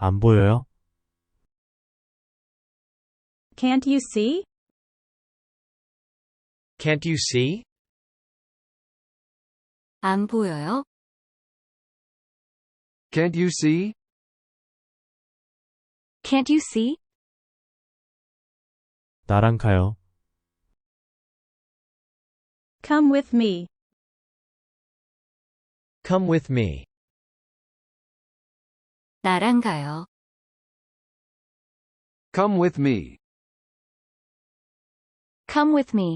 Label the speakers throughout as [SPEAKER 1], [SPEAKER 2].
[SPEAKER 1] 안 보여요?
[SPEAKER 2] Can't you see?
[SPEAKER 3] Can't you see?
[SPEAKER 4] 안 보여요?
[SPEAKER 5] Can't you see?
[SPEAKER 4] Can't you see?
[SPEAKER 1] 나랑 가요.
[SPEAKER 2] Come with me.
[SPEAKER 3] Come with me.
[SPEAKER 4] 나랑 가요.
[SPEAKER 5] Come with me.
[SPEAKER 4] Come with me.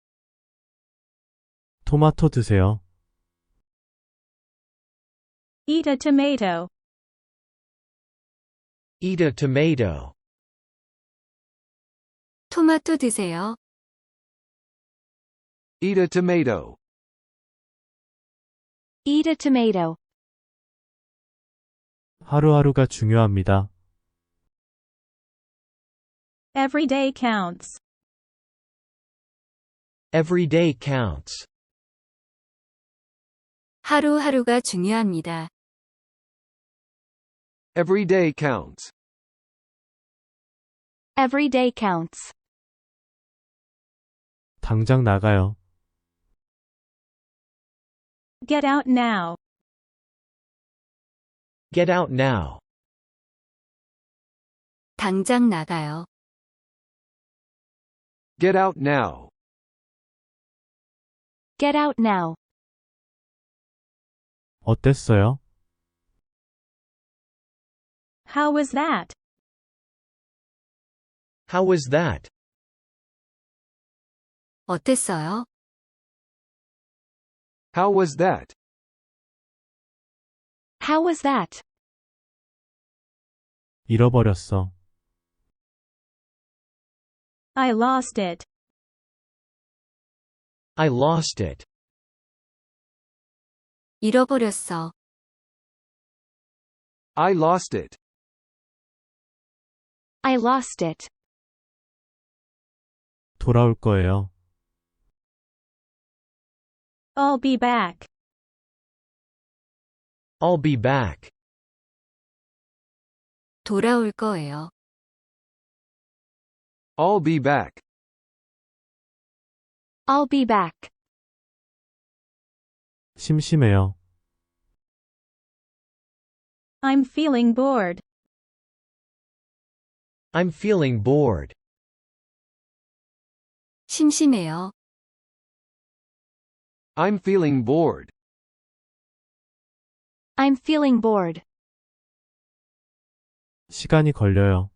[SPEAKER 1] 토마토 드세요.
[SPEAKER 2] Eat a tomato.
[SPEAKER 3] Eat a tomato.
[SPEAKER 4] 토마토 드세요.
[SPEAKER 5] Eat a tomato.
[SPEAKER 4] Eat a tomato.
[SPEAKER 1] 하루하루가 중요합니다.
[SPEAKER 2] Every day counts.
[SPEAKER 3] Every day counts.
[SPEAKER 4] 하루하루가 중요합니다.
[SPEAKER 5] Every day counts.
[SPEAKER 4] Every day counts.
[SPEAKER 1] 당장 나가요.
[SPEAKER 2] Get out now.
[SPEAKER 3] Get out now.
[SPEAKER 4] 당장 나가요.
[SPEAKER 5] Get out now.
[SPEAKER 4] Get out now.
[SPEAKER 1] 어땠어요?
[SPEAKER 2] How was that?
[SPEAKER 3] How was that?
[SPEAKER 4] 어땠어요?
[SPEAKER 5] How was that?
[SPEAKER 4] How was that?
[SPEAKER 1] 잃어버렸어.
[SPEAKER 2] I lost it.
[SPEAKER 3] I lost it.
[SPEAKER 4] 잃어버렸어.
[SPEAKER 5] I lost it.
[SPEAKER 4] I lost it.
[SPEAKER 1] 돌아올 거예요.
[SPEAKER 2] I'll be back.
[SPEAKER 3] I'll be back.
[SPEAKER 4] 돌아올 거예요.
[SPEAKER 5] I'll be back.
[SPEAKER 4] I'll be back.
[SPEAKER 1] 심심해요.
[SPEAKER 2] I'm feeling bored.
[SPEAKER 3] I'm feeling bored.
[SPEAKER 4] 심심해요.
[SPEAKER 5] I'm feeling bored.
[SPEAKER 4] I'm feeling bored.
[SPEAKER 1] 시간이 걸려요.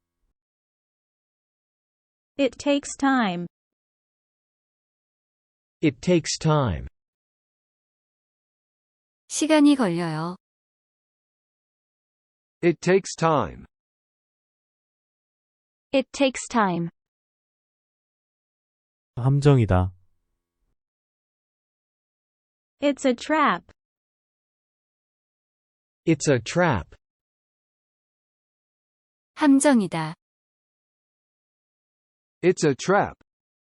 [SPEAKER 2] It takes time.
[SPEAKER 3] It takes time.
[SPEAKER 4] 시간이 걸려요.
[SPEAKER 5] It takes time.
[SPEAKER 4] It takes time.
[SPEAKER 1] 함정이다.
[SPEAKER 2] It's a trap.
[SPEAKER 3] It's a trap.
[SPEAKER 4] 함정이다.
[SPEAKER 5] It's a trap.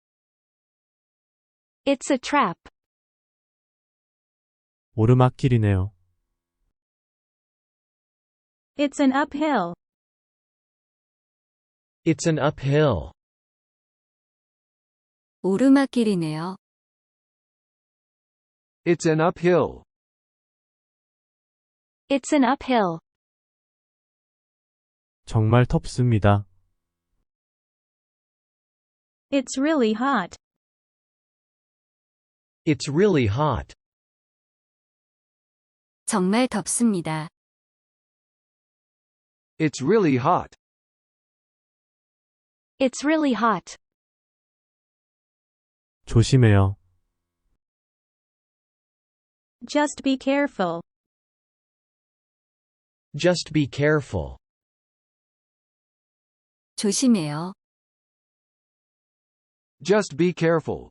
[SPEAKER 4] It's a trap.
[SPEAKER 1] 오르막길이네요.
[SPEAKER 2] It's an uphill.
[SPEAKER 3] It's an uphill.
[SPEAKER 4] 오르막길이네요.
[SPEAKER 5] It's an uphill.
[SPEAKER 4] It's an uphill.
[SPEAKER 1] 정말 덥습니다.
[SPEAKER 2] It's really hot.
[SPEAKER 3] It's really hot.
[SPEAKER 4] 정말 덥습니다.
[SPEAKER 5] It's really hot.
[SPEAKER 4] It's really hot.
[SPEAKER 1] 조심해요.
[SPEAKER 2] Just be careful.
[SPEAKER 3] Just be careful.
[SPEAKER 4] 조심해요.
[SPEAKER 5] Just be careful.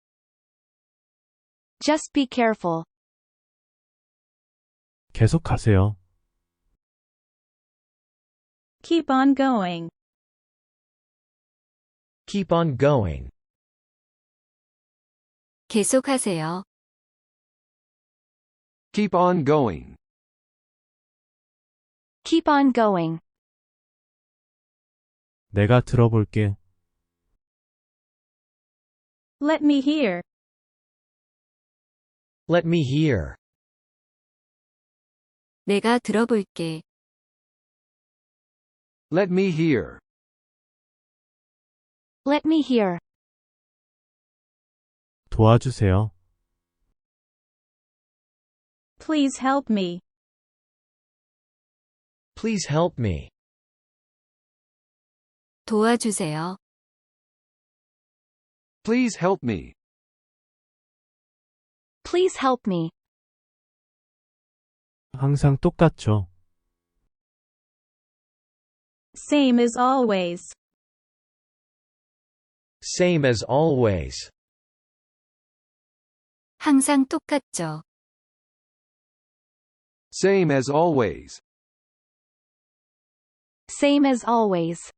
[SPEAKER 4] Just be careful.
[SPEAKER 1] 계속하세요.
[SPEAKER 2] Keep on going.
[SPEAKER 3] Keep on going.
[SPEAKER 4] 계속하세요.
[SPEAKER 5] Keep on going.
[SPEAKER 4] Keep on going.
[SPEAKER 1] 내가 들어볼게.
[SPEAKER 2] Let me hear.
[SPEAKER 3] Let me hear.
[SPEAKER 4] 내가 들어볼게.
[SPEAKER 5] Let me hear.
[SPEAKER 4] Let me hear.
[SPEAKER 1] 도와주세요.
[SPEAKER 2] Please help me.
[SPEAKER 3] Please help me.
[SPEAKER 4] 도와주세요.
[SPEAKER 5] Please help me.
[SPEAKER 4] Please help me.
[SPEAKER 1] 항상 똑같죠.
[SPEAKER 2] Same as always.
[SPEAKER 3] Same as always.
[SPEAKER 4] 항상 똑같죠.
[SPEAKER 5] Same as always.
[SPEAKER 4] Same as always.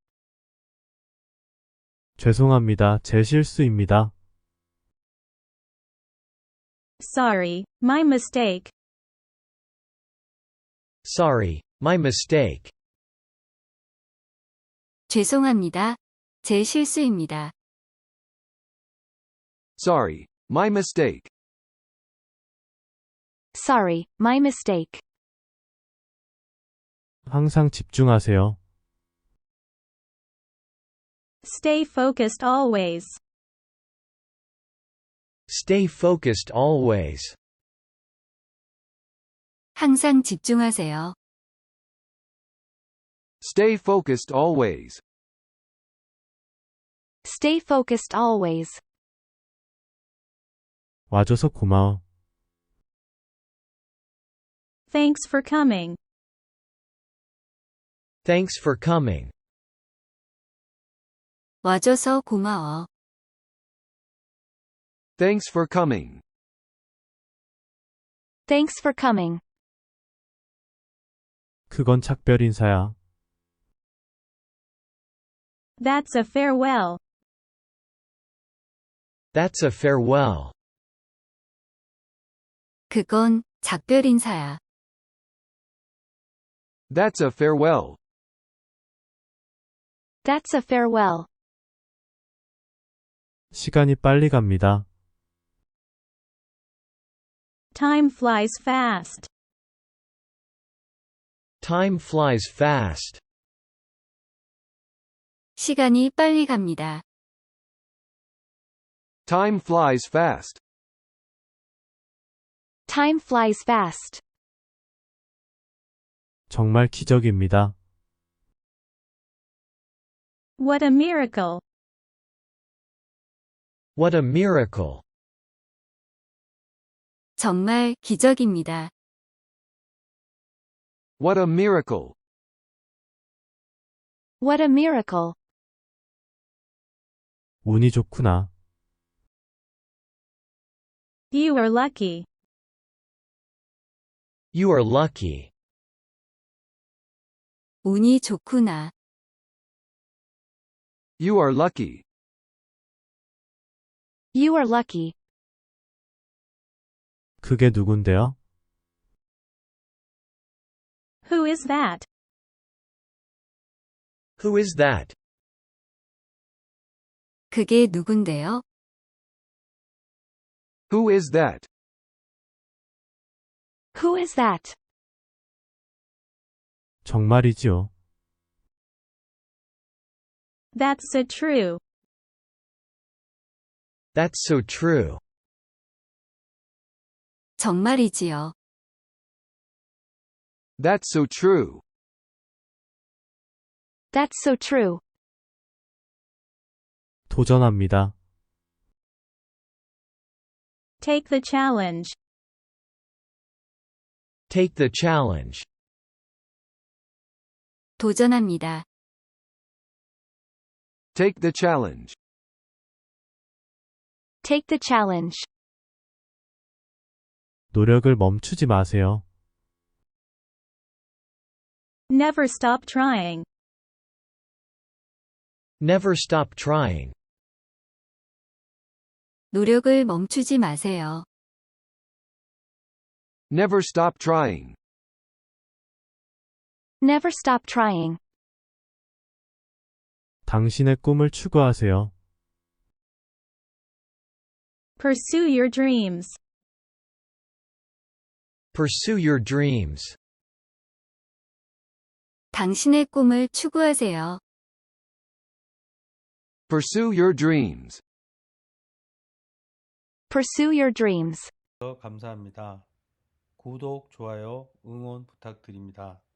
[SPEAKER 1] 죄송합니다. 제 실수입니다.
[SPEAKER 2] Sorry, my mistake.
[SPEAKER 3] Sorry, my mistake.
[SPEAKER 4] 죄송합니다. 제 실수입니다.
[SPEAKER 5] Sorry, my mistake.
[SPEAKER 4] Sorry, my mistake.
[SPEAKER 1] 항상 집중하세요.
[SPEAKER 2] Stay focused always.
[SPEAKER 3] Stay focused always.
[SPEAKER 4] 항상 집중하세요.
[SPEAKER 5] Stay focused always.
[SPEAKER 4] Stay focused always.
[SPEAKER 1] 와줘서 고마워.
[SPEAKER 2] Thanks for coming.
[SPEAKER 3] Thanks for coming.
[SPEAKER 4] 와줘서 고마워.
[SPEAKER 5] Thanks for coming.
[SPEAKER 4] Thanks for coming.
[SPEAKER 1] 그건 작별 인사야.
[SPEAKER 2] That's a farewell.
[SPEAKER 3] That's a farewell.
[SPEAKER 4] 그건 작별 인사야.
[SPEAKER 5] That's a farewell.
[SPEAKER 4] That's a farewell.
[SPEAKER 1] 시간이 빨리 갑니다.
[SPEAKER 2] Time flies fast.
[SPEAKER 3] Time flies fast.
[SPEAKER 4] 시간이 빨리 갑니다.
[SPEAKER 5] Time flies fast.
[SPEAKER 4] Time flies fast.
[SPEAKER 1] 정말 기적입니다.
[SPEAKER 2] What a miracle.
[SPEAKER 3] What a miracle.
[SPEAKER 4] 정말 기적입니다.
[SPEAKER 5] What a miracle.
[SPEAKER 4] What a miracle.
[SPEAKER 1] 운이 좋구나.
[SPEAKER 2] You are lucky.
[SPEAKER 3] You are lucky.
[SPEAKER 4] 운이 좋구나.
[SPEAKER 5] You are lucky.
[SPEAKER 4] You are lucky.
[SPEAKER 1] 그게 누군데요?
[SPEAKER 2] Who is that?
[SPEAKER 3] Who is that?
[SPEAKER 4] 그게 누군데요?
[SPEAKER 5] Who is that?
[SPEAKER 4] Who is that?
[SPEAKER 1] 정말이지요.
[SPEAKER 2] That's so true.
[SPEAKER 3] That's so true.
[SPEAKER 4] 정말이지요.
[SPEAKER 5] That's so true.
[SPEAKER 4] That's so true.
[SPEAKER 1] 도전합니다.
[SPEAKER 2] Take the challenge.
[SPEAKER 3] Take the challenge.
[SPEAKER 4] 도전합니다.
[SPEAKER 5] Take the challenge.
[SPEAKER 4] Take the challenge.
[SPEAKER 1] 노력을 멈추지 마세요.
[SPEAKER 2] Never stop trying.
[SPEAKER 3] Never stop trying.
[SPEAKER 4] 노력을 멈추지 마세요.
[SPEAKER 5] Never stop trying.
[SPEAKER 4] Never stop trying.
[SPEAKER 1] 당신의 꿈을 추구하세요.
[SPEAKER 2] Pursue your dreams.
[SPEAKER 3] Pursue your dreams.
[SPEAKER 4] 당신의 꿈을 추구하세요.
[SPEAKER 5] Pursue your dreams.
[SPEAKER 4] Pursue your dreams.
[SPEAKER 6] 감사합니다. 구독, 좋아요, 응원 부탁드립니다.